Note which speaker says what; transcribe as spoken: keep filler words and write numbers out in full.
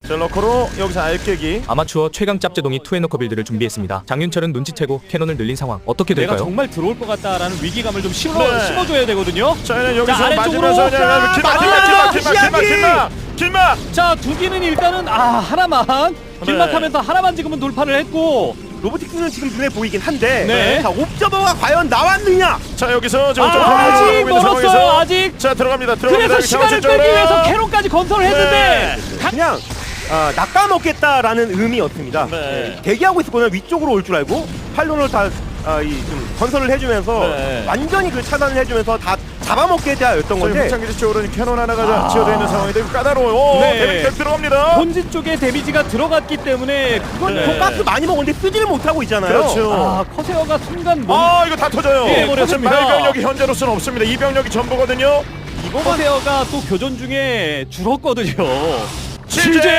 Speaker 1: 자, 러커로 여기서 알깨기.
Speaker 2: 아마추어 최강 짭제동이 투앤너커 빌드를 준비했습니다. 장윤철은 눈치채고 캐논을 늘린 상황. 어떻게
Speaker 3: 내가
Speaker 2: 될까요?
Speaker 3: 정말 들어올 것 같다라는 위기감을 좀 심어,
Speaker 1: 네.
Speaker 3: 심어줘야 되거든요.
Speaker 1: 자, 얘는 여기서
Speaker 3: 자, 아래쪽으로.
Speaker 1: 맞으면서 그냥
Speaker 3: 자,
Speaker 1: 길막,
Speaker 3: 맞아.
Speaker 1: 길막, 길막, 길막, 길막, 길막.
Speaker 3: 자, 두 개는 일단은 아 하나만 길막하면서 하나만 지금은 돌파를 했고.
Speaker 4: 로보틱스는 지금 눈에 보이긴 한데
Speaker 3: 네.
Speaker 4: 자, 옵저버가 과연 나왔느냐?
Speaker 1: 자, 여기서 지금
Speaker 3: 아,
Speaker 1: 좀
Speaker 3: 아직
Speaker 1: 돌아가고 있는
Speaker 3: 멀었어요.
Speaker 1: 상황에서.
Speaker 3: 아직.
Speaker 1: 자, 들어갑니다. 들어갑니다.
Speaker 3: 그래서 시간을
Speaker 1: 경험치
Speaker 3: 빼기 위해서
Speaker 1: 쪽으로.
Speaker 3: 캐논까지 건설을 했는데 강-
Speaker 4: 그냥 아, 낚아먹겠다라는 의미였습니다.
Speaker 1: 네.
Speaker 4: 네, 대기하고 있었거든요. 위쪽으로 올 줄 알고 팔론을 다 아, 이, 좀 건설을 해주면서
Speaker 1: 네.
Speaker 4: 완전히 그 차단을 해주면서 다 잡아먹겠다였던 건데
Speaker 1: 확장기지 쪽으로는 캐논 하나가
Speaker 3: 아.
Speaker 1: 지어져 있는 상황인데 까다로워요.
Speaker 3: 네.
Speaker 1: 데미지 계속 들어갑니다.
Speaker 3: 본진 쪽에 데미지가 들어갔기 때문에 그건
Speaker 1: 네.
Speaker 4: 더 가스 많이 먹었는데 쓰지를 못하고 있잖아요.
Speaker 1: 그렇죠.
Speaker 3: 아 커세어가 순간 몸
Speaker 1: 아, 이거 다 터져요.
Speaker 3: 예, 버렸습니다.
Speaker 1: 지금 말병력이 현재로서는 없습니다. 이 병력이 전부거든요.
Speaker 3: 커세어가 또 교전 중에 줄었거든요.
Speaker 1: 실제